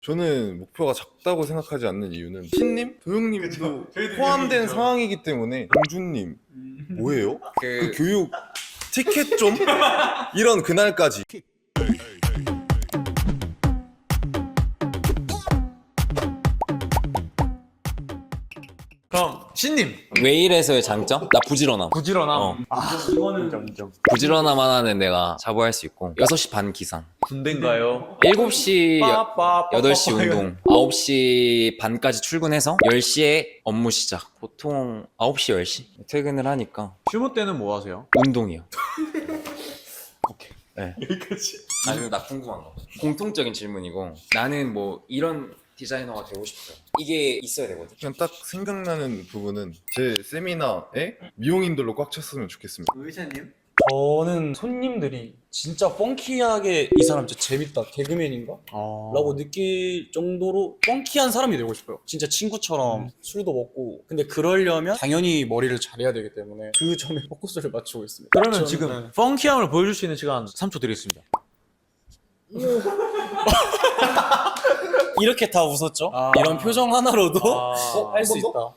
저는 목표가 작다고 생각하지 않는 이유는 신님, 도영님도 저희도 포함된 교육이죠. 상황이기 때문에 공주님 뭐예요? 그 교육 티켓 좀 이런 그날까지. 그럼 신님 웨일에서의 장점? 나 부지런함. 부지런함. 어. 이거는 부지런함 하나는 내가 자부할 수 있고 6시 반 기상, 군대인가요? 7시, 빠빠 8시 운동, 9시 반까지 출근해서 10시에 업무 시작. 보통 9시, 10시 퇴근을 하니까 휴무 때는 뭐 하세요? 운동이요. 오케이. 네. 여기까지. 아, 그리고 나 궁금한 거. 공통적인 질문이고 나는 뭐 이런 디자이너가 되고 싶어요. 이게 있어야 되거든. 그냥 딱 생각나는 부분은 제 세미나에 미용인들로 꽉 찼으면 좋겠습니다. 의사님? 저는 손님들이 진짜 펑키하게 이 사람 진짜 재밌다, 개그맨인가? 라고 느낄 정도로 펑키한 사람이 되고 싶어요. 진짜 친구처럼 술도 먹고. 근데 그러려면 당연히 머리를 잘해야 되기 때문에 그 점에 포커스를 맞추고 있습니다. 그러면 저는, 지금 네. 펑키함을 보여줄 수 있는 시간 3초 드리겠습니다. 이렇게 다 웃었죠? 아. 이런 표정 하나로도 아. 할 수 있다.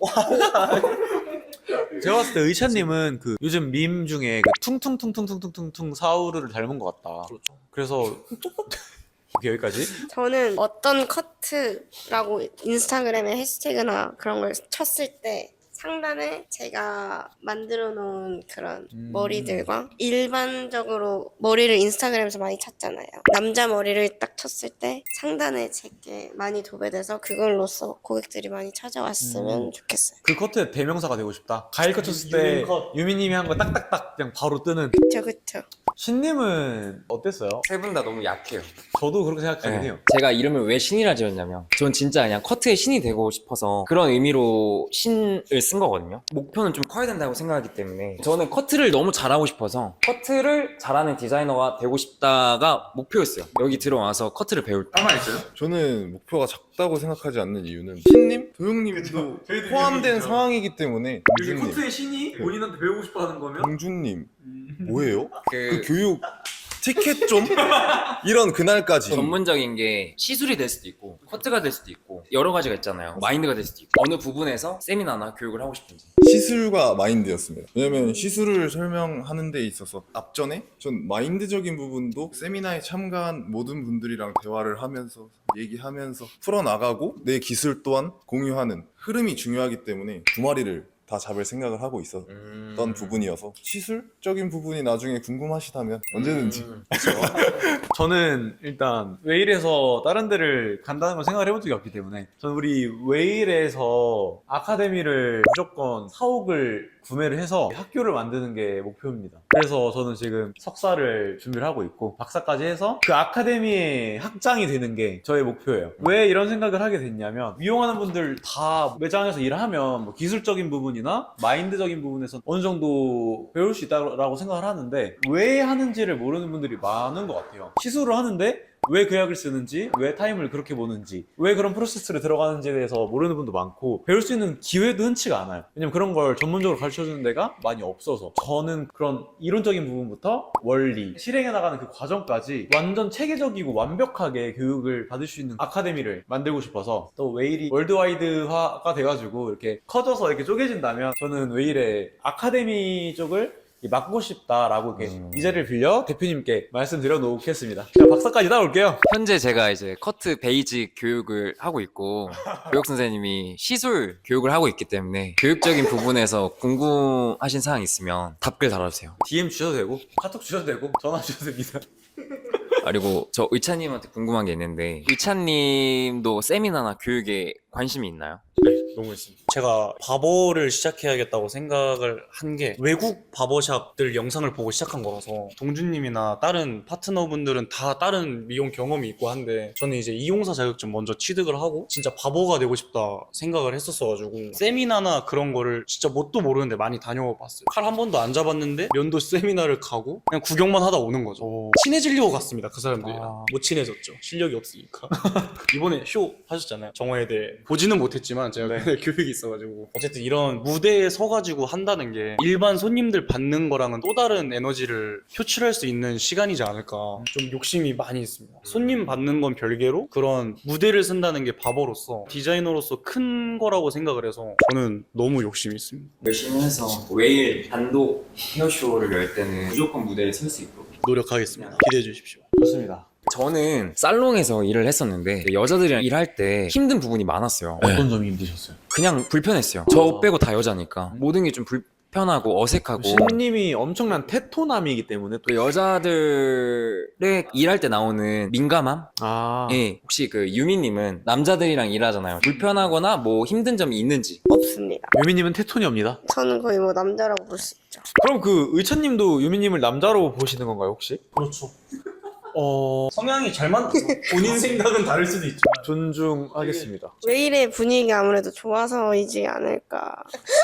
제가 봤을 때 의찬님은 그 요즘 밈 중에 그 퉁퉁퉁퉁퉁퉁퉁 사우르를 닮은 것 같다. 그렇죠. 그래서 오케이, 여기까지. 저는 어떤 커트라고 인스타그램에 해시태그나 그런 걸 쳤을 때 상단에 제가 만들어 놓은 그런 머리들과 일반적으로 머리를 인스타그램에서 많이 찾잖아요. 남자 머리를 딱 쳤을 때 상단에 제게 많이 도배돼서 그걸로써 고객들이 많이 찾아왔으면 좋겠어요. 그 커트의 대명사가 되고 싶다. 가일 컷 쳤을 때 유민 컷. 유미님이 한 거 딱딱딱 그냥 바로 뜨는. 그쵸. 신님은 어땠어요? 세 분 다 너무 약해요. 저도 그렇게 생각하긴 네. 해요. 제가 이름을 왜 신이라 지었냐면 전 진짜 그냥 커트의 신이 되고 싶어서 그런 의미로 신을 쓴 거거든요. 목표는 좀 커야 된다고 생각하기 때문에 저는 커트를 너무 잘하고 싶어서 커트를 잘하는 디자이너가 되고 싶다가 목표였어요. 여기 들어와서 커트를 배울 때. 가만 있어요? 저는 목표가 작다고 생각하지 않는 이유는 신님, 도영님도 저희도 포함된 교육이죠. 상황이기 때문에 공주님, 신이 본인한테 배우고 싶어 하는 거면 공주님 뭐예요? 그 그 교육 티켓 좀 이런 그날까지. 전문적인 게 시술이 될 수도 있고 커트가 될 수도 있고 여러 가지가 있잖아요. 마인드가 될 수도 있고 어느 부분에서 세미나나 교육을 하고 싶은지. 시술과 마인드였습니다. 왜냐면 시술을 설명하는 데 있어서 앞전에 전 마인드적인 부분도 세미나에 참가한 모든 분들이랑 대화를 하면서 얘기하면서 풀어나가고 내 기술 또한 공유하는 흐름이 중요하기 때문에 두 마리를 다 잡을 생각을 하고 있었던 부분이어서 시술적인 부분이 나중에 궁금하시다면 언제든지. 저는 일단 웨일에서 다른 데를 간다는 걸 생각을 해본 적이 없기 때문에 저는 우리 웨일에서 아카데미를 무조건 사옥을 구매를 해서 학교를 만드는 게 목표입니다. 그래서 저는 지금 석사를 준비를 하고 있고 박사까지 해서 그 아카데미의 학장이 되는 게 저의 목표예요. 왜 이런 생각을 하게 됐냐면 미용하는 분들 다 매장에서 일하면 뭐 기술적인 부분이나 마인드적인 부분에서 어느 정도 배울 수 있다고 생각을 하는데 왜 하는지를 모르는 분들이 많은 것 같아요. 시술을 하는데 왜 그 약을 쓰는지, 왜 타임을 그렇게 보는지, 왜 그런 프로세스를 들어가는지에 대해서 모르는 분도 많고 배울 수 있는 기회도 흔치가 않아요. 왜냐면 그런 걸 전문적으로 가르쳐주는 데가 많이 없어서 저는 그런 이론적인 부분부터 원리, 실행해 나가는 그 과정까지 완전 체계적이고 완벽하게 교육을 받을 수 있는 아카데미를 만들고 싶어서 또 웨일이 월드와이드화가 돼가지고 이렇게 커져서 이렇게 쪼개진다면 저는 웨일의 아카데미 쪽을 맡고 싶다라고 이렇게 이 자리를 빌려 대표님께 말씀드려 놓겠습니다. 자, 박사까지 따올게요. 현재 제가 이제 커트 베이직 교육을 하고 있고 교육 선생님이 시술 교육을 하고 있기 때문에 교육적인 부분에서 궁금하신 사항 있으면 답글 달아주세요. DM 주셔도 되고 카톡 주셔도 되고 전화 주셔도 됩니다. 그리고 저 의찬님한테 궁금한 게 있는데 의찬님도 세미나나 교육에 관심이 있나요? 너무 있습니다. 제가 바버를 시작해야겠다고 생각을 한 게 외국 바버샵들 영상을 보고 시작한 거라서 동준님이나 다른 파트너분들은 다 다른 미용 경험이 있고 한데 저는 이제 이용사 자격증 먼저 취득을 하고 진짜 바버가 되고 싶다 생각을 했었어가지고 세미나나 그런 거를 진짜 뭣도 모르는데 많이 다녀봤어요. 칼 한 번도 안 잡았는데 면도 세미나를 가고 그냥 구경만 하다 오는 거죠. 친해지려고 갔습니다. 그 사람들이랑. 못 친해졌죠. 실력이 없으니까. 이번에 쇼 하셨잖아요. 정화에 대해 보지는 못했지만 제가 교육이 있어가지고 어쨌든 이런 무대에 서가지고 한다는 게 일반 손님들 받는 거랑은 또 다른 에너지를 표출할 수 있는 시간이지 않을까. 좀 욕심이 많이 있습니다. 손님 받는 건 별개로 그런 무대를 쓴다는 게 바보로서 디자이너로서 큰 거라고 생각을 해서 저는 너무 욕심이 있습니다. 열심히 해서 웨일 단독 헤어쇼를 열 때는 무조건 무대에 설 수 있도록 노력하겠습니다. 기대해 주십시오. 좋습니다. 저는 살롱에서 일을 했었는데 여자들이랑 일할 때 힘든 부분이 많았어요. 어떤 점이 힘드셨어요? 그냥 불편했어요. 저 빼고 다 여자니까 모든 게 좀 불편하고 어색하고 신님이 엄청난 테토남이기 때문에 또 또 여자들의 일할 때 나오는 민감함? 아 예, 혹시 그 유미님은 남자들이랑 일하잖아요. 불편하거나 뭐 힘든 점이 있는지. 없습니다. 유미님은 테토니입니다. 저는 거의 뭐 남자라고 볼 수 있죠. 그럼 그 의찬님도 유미님을 남자로 보시는 건가요 혹시? 그렇죠. 성향이 잘 맞죠. 본인 생각은 다를 수도 있지만 존중하겠습니다. 웨일의 분위기가 아무래도 좋아서이지 않을까.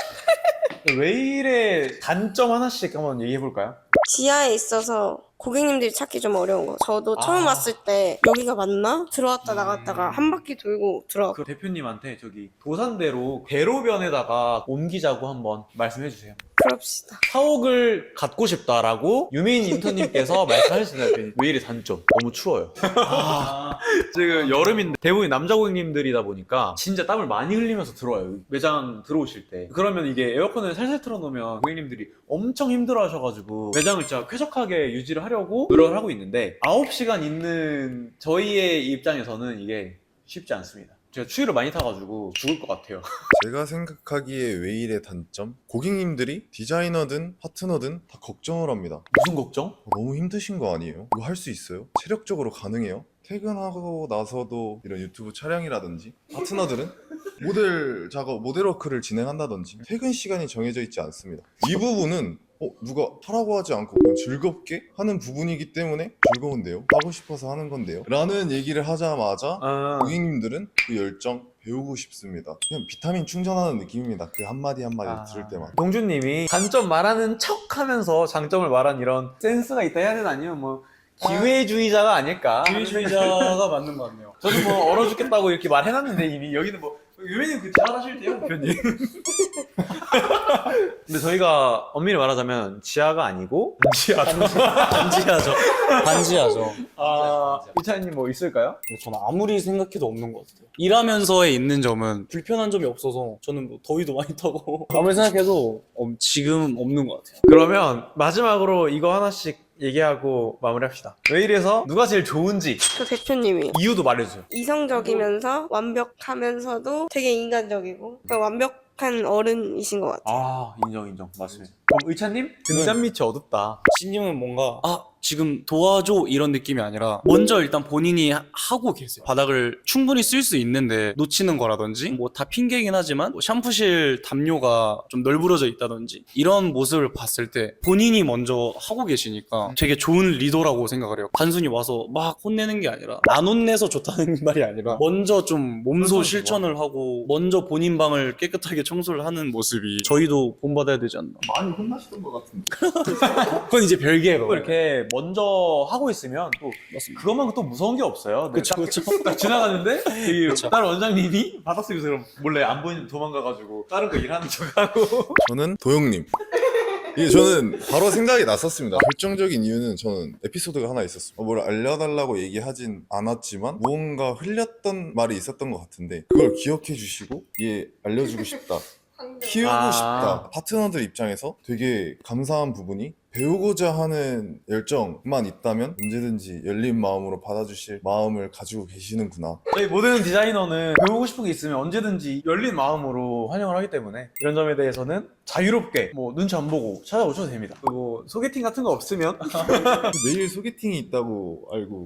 웨일의 단점 하나씩 한번 얘기해 볼까요? 지하에 있어서 고객님들이 찾기 좀 어려운 거. 저도 처음 왔을 때 여기가 맞나? 들어왔다 나갔다가 한 바퀴 돌고 들어왔고. 그 대표님한테 저기 도산대로 대로변에다가 옮기자고 한번 말씀해 주세요. 그럽시다. 사옥을 갖고 싶다라고 유민 인턴님께서 말씀하셨습니다. 웨일의 단점 너무 추워요. 지금 여름인데 대부분 남자 고객님들이다 보니까 진짜 땀을 많이 흘리면서 들어와요. 매장 들어오실 때. 그러면 이게 에어컨을 살살 틀어놓으면 고객님들이 엄청 힘들어하셔가지고 매장을 진짜 쾌적하게 유지를 하려고 노력을 하고 있는데 9시간 있는 저희의 입장에서는 이게 쉽지 않습니다. 제가 추위를 많이 타가지고 죽을 것 같아요. 제가 생각하기에 웨일의 단점? 고객님들이 디자이너든 파트너든 다 걱정을 합니다. 무슨 걱정? 너무 힘드신 거 아니에요? 이거 할 수 있어요? 체력적으로 가능해요? 퇴근하고 나서도 이런 유튜브 촬영이라든지 파트너들은 모델 작업, 모델 워크를 진행한다든지 퇴근 시간이 정해져 있지 않습니다. 이 부분은 누가 하라고 하지 않고 그냥 즐겁게 하는 부분이기 때문에 즐거운데요? 하고 싶어서 하는 건데요? 라는 얘기를 하자마자 고객님들은 그 열정 배우고 싶습니다. 그냥 비타민 충전하는 느낌입니다. 그 한마디 한마디 들을 때만. 동준님이 단점 말하는 척 하면서 장점을 말한 이런 센스가 있다 해야 되나 아니면 뭐 기회주의자가 아닐까? 기회주의자가 맞는 것 같네요. 저도 뭐 얼어 죽겠다고 이렇게 말해놨는데 이미 여기는 뭐 유민님 그 잘하실때요 대표님. 근데 저희가 엄밀히 말하자면 지하가 아니고 반지하죠. 반지하죠. 이찬님 뭐 있을까요? 저는 아무리 생각해도 없는 것 같아요. 일하면서의 있는 점은 불편한 점이 없어서 저는 뭐 더위도 많이 타고 아무리 생각해도 지금 없는 것 같아요. 그러면 마지막으로 이거 하나씩 얘기하고 마무리합시다. 왜 이래서 누가 제일 좋은지 저 대표님이 이유도 말해주세요. 이성적이면서 완벽하면서도 되게 인간적이고 그러니까 완벽한 어른이신 것 같아요. 인정 맞습니다. 그럼 의찬님? 등잔 밑이 어둡다. 신님은 뭔가 지금 도와줘 이런 느낌이 아니라 먼저 일단 본인이 하고 계세요. 바닥을 충분히 쓸 수 있는데 놓치는 거라든지 뭐 다 핑계이긴 하지만 뭐 샴푸실 담요가 좀 널브러져 있다든지 이런 모습을 봤을 때 본인이 먼저 하고 계시니까 되게 좋은 리더라고 생각을 해요. 단순히 와서 막 혼내는 게 아니라 안 혼내서 좋다는 말이 아니라 먼저 좀 몸소 실천을 하고 먼저 본인 방을 깨끗하게 청소를 하는 모습이 저희도 본받아야 되지 않나. 많이 혼나시던 것 같은데. 그건 이제 별개로 또 이렇게 먼저 하고 있으면 또 그것만큼 또 무서운 게 없어요. 그쵸. 딱 지나가는데 다른 원장님이 바닥속에서 그럼 몰래 안 보이는 도망가가지고 다른 거 일하는 척하고. 저는 도영님. 이게 저는 바로 생각이 났었습니다. 결정적인 이유는 저는 에피소드가 하나 있었어요. 뭘 알려달라고 얘기하진 않았지만 무언가 흘렸던 말이 있었던 것 같은데 그걸 기억해 주시고 알려주고 싶다. 키우고 싶다. 파트너들 입장에서 되게 감사한 부분이 배우고자 하는 열정만 있다면 언제든지 열린 마음으로 받아주실 마음을 가지고 계시는구나. 저희 모든 디자이너는 배우고 싶은 게 있으면 언제든지 열린 마음으로 환영을 하기 때문에 이런 점에 대해서는 자유롭게 뭐 눈치 안 보고 찾아오셔도 됩니다. 그리고 소개팅 같은 거 없으면 매일 소개팅이 있다고 알고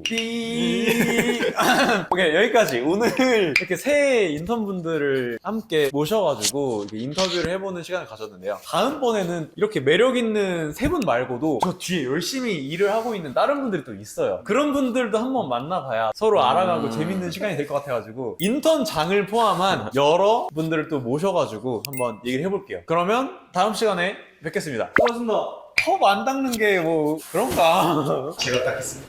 오케이 여기까지. 오늘 이렇게 새 인턴분들을 함께 모셔가지고 이렇게 인터뷰를 해보는 시간을 가졌는데요. 다음번에는 이렇게 매력 있는 세 분 말고도 저 뒤에 열심히 일을 하고 있는 다른 분들이 또 있어요. 그런 분들도 한번 만나봐야 서로 알아가고 재밌는 시간이 될 것 같아가지고 인턴장을 포함한 여러 분들을 또 모셔가지고 한번 얘기를 해볼게요. 그러면 다음 시간에 뵙겠습니다. 수고하셨습니다. 컵 안 닦는 게 뭐 그런가? 제가 닦겠습니다.